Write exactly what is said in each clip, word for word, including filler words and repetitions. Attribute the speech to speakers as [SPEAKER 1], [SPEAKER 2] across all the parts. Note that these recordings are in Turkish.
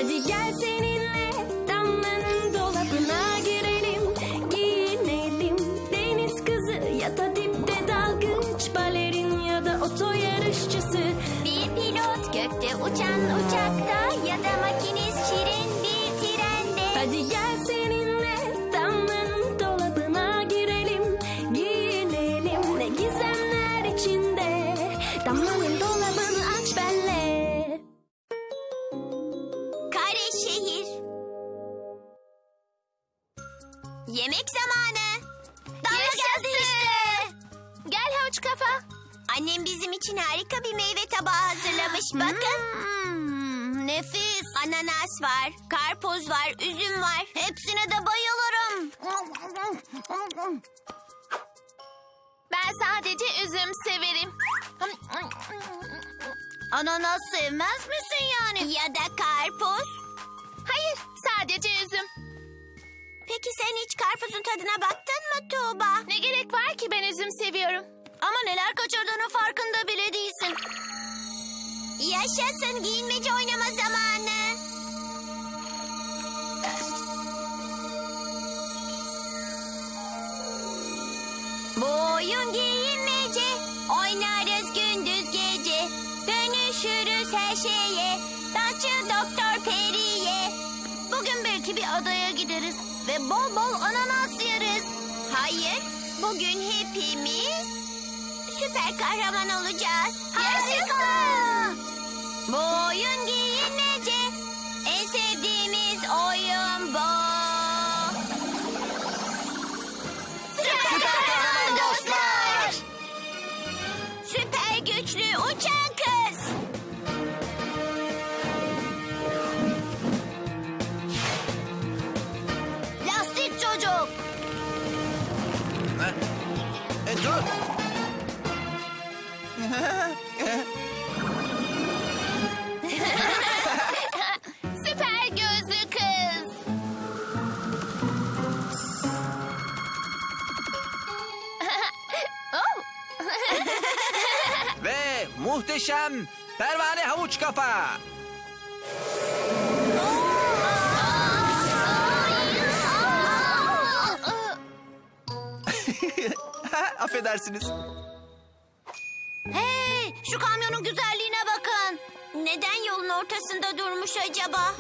[SPEAKER 1] Hadi gel seninle Damla'nın dolabına girelim, giyinelim. Deniz kızı ya da dipte dalgıç, balerin ya da oto yarışçısı.
[SPEAKER 2] Bir pilot gökte uçan uçakta ya da makinist şirin bir trende.
[SPEAKER 1] Hadi gel seninle Damla'nın dolabına girelim, giyinelim. Ne gizemler içinde, Damla'nın dolabını aç benle.
[SPEAKER 2] Kare şehir. Yemek zamanı. Damla geldi işte. Gel havuç kafa. Annem bizim için harika bir meyve tabağı hazırlamış. Bakın. Hmm, nefis. Ananas var, karpuz var, üzüm var. Hepsine de bayılırım.
[SPEAKER 3] Ben sadece üzüm severim.
[SPEAKER 2] Ananas sevmez misin yani? Ya da karpuz?
[SPEAKER 3] Hayır, sadece üzüm.
[SPEAKER 2] Peki sen hiç karpuzun tadına baktın mı Tuğba?
[SPEAKER 3] Ne gerek var ki, ben üzüm seviyorum.
[SPEAKER 2] Ama neler kaçırdığının farkında bile değilsin. Yaşasın giyinmece oynama zamanı. Bu oyun giyinmece. Oynarız gündüz gece. Dönüşürüz her şeye. Dansçı Doktor Peri'ye. Bugün belki bir adaya gideriz ve bol bol ananas yeriz. Hayır, bugün hepimiz süper kahraman olacağız. Yaşasın! Bu oyun giyinmece. En sevdiğimiz oyun bu. Süper kahraman dostlar! Süper güçlü uçan kız. Lastik çocuk.
[SPEAKER 4] Ne? E, dur.
[SPEAKER 3] Süper gözlü kız. Oh,
[SPEAKER 4] Ve muhteşem pervane havuç kafa. Affedersiniz.
[SPEAKER 2] Hey, şu kamyonun güzelliğine bakın. Neden yolun ortasında durmuş acaba?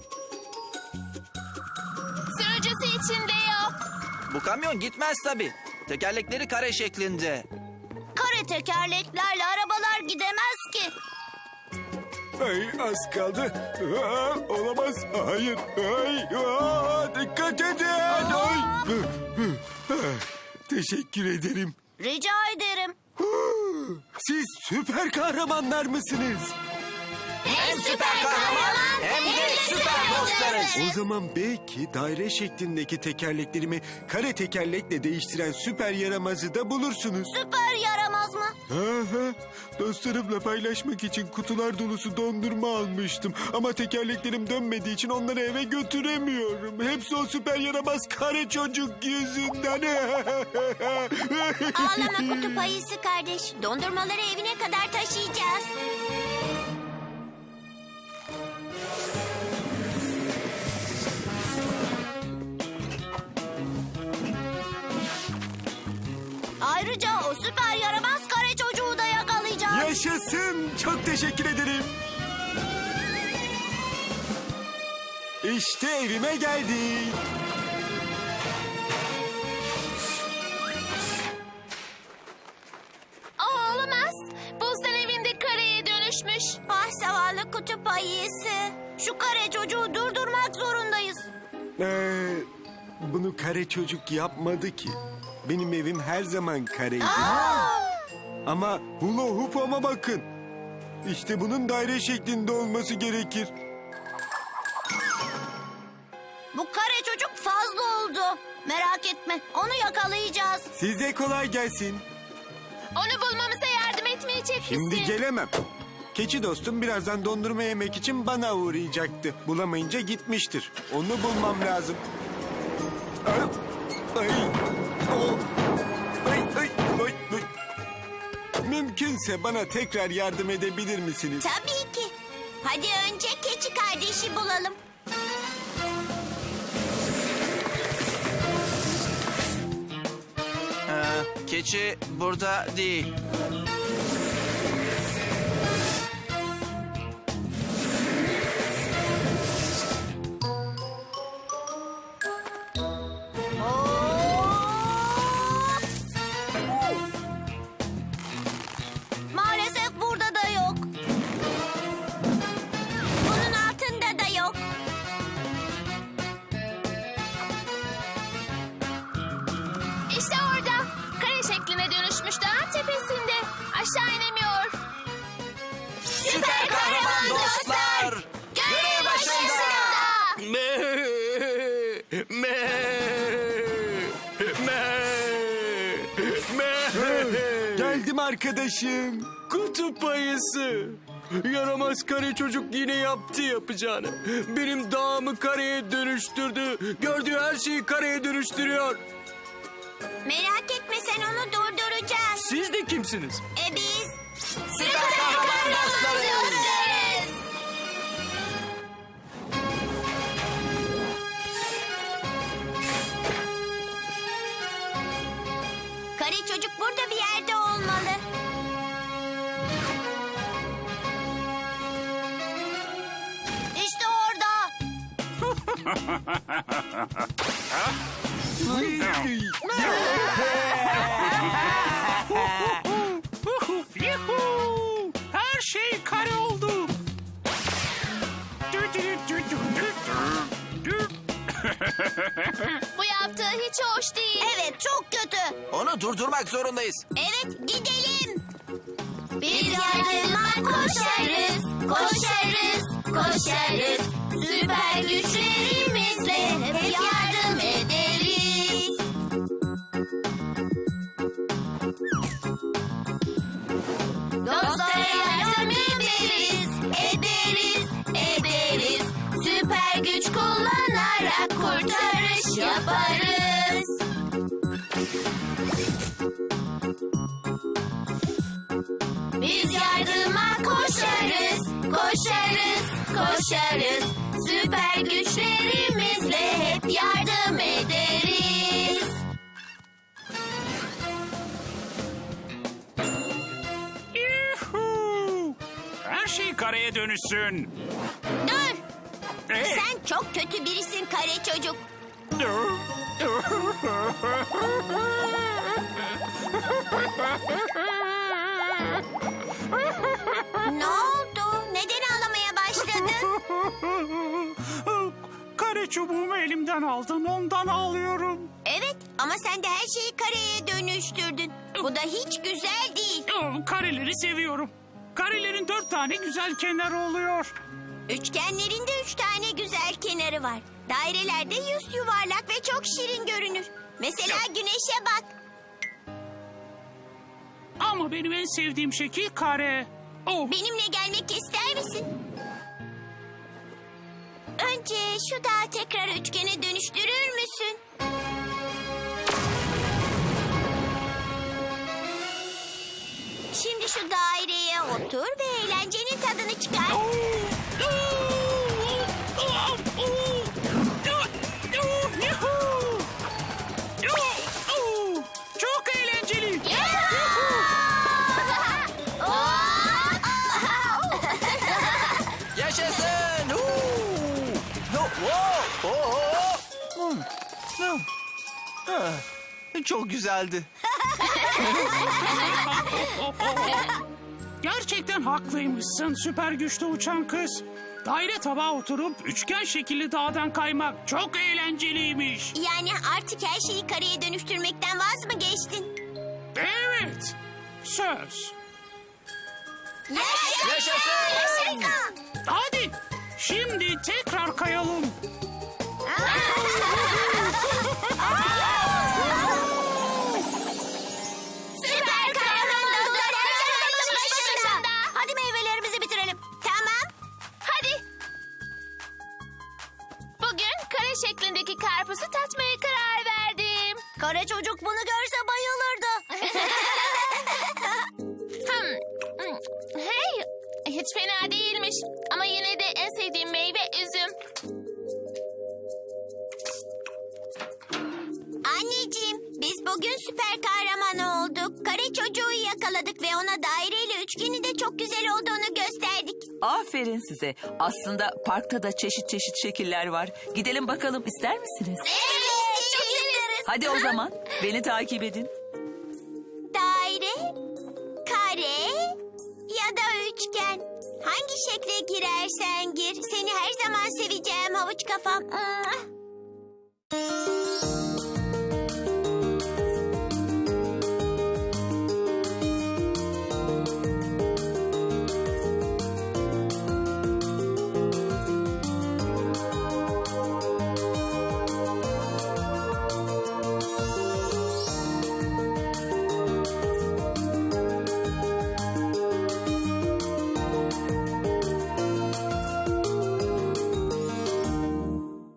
[SPEAKER 3] sürücüsü içinde yok.
[SPEAKER 4] Bu kamyon gitmez tabii. Tekerlekleri kare şeklinde.
[SPEAKER 2] Kare tekerleklerle arabalar gidemez ki.
[SPEAKER 5] Ay az kaldı. Aa, olamaz. Hayır. Ay, aa, dikkat edin. Ay. Teşekkür ederim.
[SPEAKER 2] Rica ederim.
[SPEAKER 5] Siz süper kahramanlar mısınız?
[SPEAKER 2] Hem
[SPEAKER 4] süper kahraman hem de süper dostlarız.
[SPEAKER 5] O zaman belki daire şeklindeki tekerleklerimi kare tekerlekle değiştiren süper yaramazı da bulursunuz.
[SPEAKER 2] Süper yaramaz mı?
[SPEAKER 5] Aha, dostlarımla paylaşmak için kutular dolusu dondurma almıştım. Ama tekerleklerim dönmediği için onları eve götüremiyorum. Hepsi o süper yaramaz kare çocuk yüzünden.
[SPEAKER 2] Ağlama kutup ayısı kardeş. Dondurmaları evine kadar taşıyacağız. Ayrıca o süper yaramaz kare çocuğu da yakalayacağız.
[SPEAKER 5] Yaşasın. Çok teşekkür ederim. İşte evime geldik.
[SPEAKER 3] Aa, olamaz. Buzdan evinde kareye dönüşmüş.
[SPEAKER 2] Ah zavallı kutup ayısı. Şu kare çocuğu durdurmak zorundayız.
[SPEAKER 5] Ee, bunu kare çocuk yapmadı ki. Benim evim her zaman kareydi. Ama hula hoop'ama bakın. İşte bunun daire şeklinde olması gerekir.
[SPEAKER 2] Bu kare çocuk fazla oldu. Merak etme, onu yakalayacağız.
[SPEAKER 5] Size kolay gelsin.
[SPEAKER 3] Onu bulmamıza yardım etmeyecek misin?
[SPEAKER 5] Şimdi gelemem. Keçi dostum birazdan dondurma yemek için bana uğrayacaktı. Bulamayınca gitmiştir. Onu bulmam lazım. Ay, ay, o, ay, ay, ay, ay. Mümkünse bana tekrar yardım edebilir misiniz?
[SPEAKER 2] Tabii ki. Hadi önce keçi kardeş. kardeşi bulalım.
[SPEAKER 4] Ee, keçi burada değil.
[SPEAKER 2] Maalesef burada da yok. Bunun altında da yok.
[SPEAKER 3] İşte orada. Kare şekline dönüşmüş dağın tepesinde. Aşağı inemiyor.
[SPEAKER 2] Süper kahraman dostlar!
[SPEAKER 3] Görev başında.
[SPEAKER 5] Me, me, me, me. Geldim arkadaşım. Kutup ayısı. Yaramaz kare çocuk yine yaptı yapacağını. Benim dağımı kareye dönüştürdü. Gördüğü her şeyi kareye dönüştürüyor.
[SPEAKER 2] Merak etme, sen onu durduracağız.
[SPEAKER 5] Siz de kimsiniz?
[SPEAKER 2] E biz...
[SPEAKER 4] Süper kahraman dostlarız.
[SPEAKER 2] Kare çocuk burada bir yerde olmalı. İşte orada.
[SPEAKER 6] Yuhuu! Her şey kare oldu.
[SPEAKER 3] Bu yaptığı hiç hoş değil.
[SPEAKER 2] Evet, çok kötü.
[SPEAKER 4] Onu durdurmak zorundayız.
[SPEAKER 2] Evet, gidelim. Biz yardıma koşarız, koşarız, koşarız. Süper güçlerimizle hep yardım ederiz. Dostlara yardım ederiz, ederiz, ederiz. Süper güç kullanarak kurtarış yaparız. Biz yardıma koşarız, koşarız, koşarız. Süper güçlerimizle hep yardım ederiz.
[SPEAKER 6] Yuhuu! Her şey kareye dönüşsün.
[SPEAKER 2] Dur,
[SPEAKER 6] Ee?
[SPEAKER 2] sen çok kötü birisin kare çocuk. Ne oldu? Neden ağlamaya başladın?
[SPEAKER 6] Kare çubuğumu elimden aldın, ondan ağlıyorum.
[SPEAKER 2] Evet, ama sen de her şeyi kareye dönüştürdün. Bu da hiç güzel değil.
[SPEAKER 6] Kareleri seviyorum. Karelerin dört tane güzel kenarı oluyor.
[SPEAKER 2] Üçgenlerin de üç tane güzel kenarı var. Dairelerde yüz yuvarlak ve çok şirin görünür. Mesela güneşe bak.
[SPEAKER 6] Ama benim en sevdiğim şekil kare. Oh,
[SPEAKER 2] Benimle gelmek ister misin? Önce şu dağı tekrar üçgene dönüştürür müsün? Şimdi şu daireye otur ve eğlencenin tadını çıkar.
[SPEAKER 6] Çok eğlenceli.
[SPEAKER 4] Yaşasın! Huu! Ho- ho- ho- ho! Hmm. Hmm. Ah, Çok güzeldi.
[SPEAKER 6] Gerçekten haklıymışsın süper güçlü uçan kız. Daire tabağa oturup üçgen şekilli dağdan kaymak çok eğlenceliymiş.
[SPEAKER 2] Yani artık her şeyi kareye dönüştürmekten vaz mı geçtin?
[SPEAKER 6] Evet. Söz.
[SPEAKER 2] Yaşasın!
[SPEAKER 4] Yaşasın!
[SPEAKER 6] Hadi şimdi tekrar kayalım.
[SPEAKER 2] Süper kahraman dostlar çalışma başında. Hadi meyvelerimizi bitirelim. Tamam.
[SPEAKER 3] Hadi. Bugün kare şeklindeki karpuzu tatmaya karar verdim.
[SPEAKER 2] Kara çocuk bunu görse bayılırdı.
[SPEAKER 3] Hmm. hmm. Hey, hiç fena değilmiş. Ama yine de en sevdiğim meyve
[SPEAKER 2] bugün süper kahraman olduk. Kare çocuğu yakaladık ve ona daireyle üçgenin de çok güzel olduğunu gösterdik.
[SPEAKER 7] Aferin size. Aslında parkta da çeşit çeşit şekiller var. Gidelim bakalım, ister misiniz?
[SPEAKER 2] Evet, çok isteriz.
[SPEAKER 7] Hadi o zaman beni takip edin.
[SPEAKER 2] Daire, kare ya da üçgen. Hangi şekle girersen gir. Seni her zaman seveceğim havuç kafam.